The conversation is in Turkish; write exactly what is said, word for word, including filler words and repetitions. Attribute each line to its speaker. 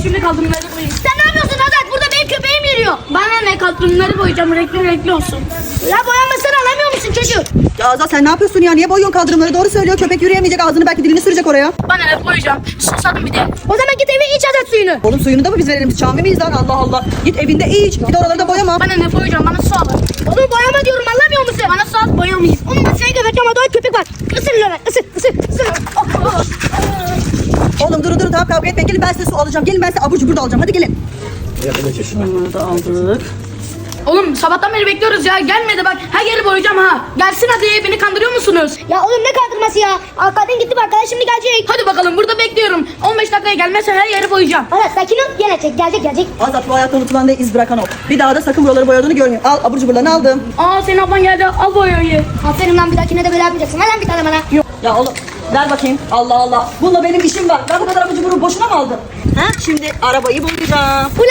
Speaker 1: şimdi kaldırımları boyayayım.
Speaker 2: Sen ne yapıyorsun Azat? Burada benim köpeğim yürüyor.
Speaker 1: Bana ne, kaldırımları boyayacağım, renkli renkli olsun.
Speaker 2: Ya boyanmasını alamıyor musun çocuğu?
Speaker 3: Ya Azat sen ne yapıyorsun ya? Niye boyuyorsun kaldırımları? Doğru söylüyor. Köpek yürüyemeyecek. Ağzını belki dilini sürecek oraya.
Speaker 1: Bana ne, boyayacağım. Susadım bir de.
Speaker 2: O zaman git eve iç Azat suyunu.
Speaker 3: Oğlum suyunu da mı biz verelim? Biz Şamil miyiz lan? Allah Allah. Git evinde iç. Bir de oraları da boyama.
Speaker 1: Bana ne, boyayacağım, bana su al.
Speaker 2: Oğlum boyama diyorum anlamıyor musun?
Speaker 1: Bana su al, boyamayayım.
Speaker 2: Oğlum seni geberteceğim ama doğru köpek var. Isır lan ısır ısır ısır. Oh, oh.
Speaker 3: Oğlum durun durun tamam kavga etmeyin. Gelin ben size su alacağım. Gelin ben size abur cubur da alacağım. Hadi gelin.
Speaker 1: Bunları da aldık. Oğlum sabahtan beri bekliyoruz ya, gelmedi bak, her yeri boyayacağım ha. Gelsin hadi, beni kandırıyor musunuz?
Speaker 2: Ya oğlum ne kaldırması ya? Arkadaşın gitti bak arkadaş şimdi gelecek.
Speaker 1: Hadi bakalım, burada bekliyorum. on beş dakikaya gelmezsen her yeri boyayacağım.
Speaker 2: Azat sakin ol gelecek gelecek gelecek.
Speaker 3: Azat bu hayatta unutulan değil iz bırakan o. Bir daha da sakın buraları boyadığını görmeyeyim. Al abur cuburlarını aldım.
Speaker 1: Aa, senin ablan geldi, al boyayı.
Speaker 2: Aferin lan bir dahakine de böyle yapmayacaksın. Ver lan bir tane bana.
Speaker 3: Ya oğlum ver bakayım. Allah Allah. Bununla benim işim var. Ben bu kadar abur cuburu boşuna mı aldım? Ha? Şimdi arabayı boyayacağım.
Speaker 2: Bu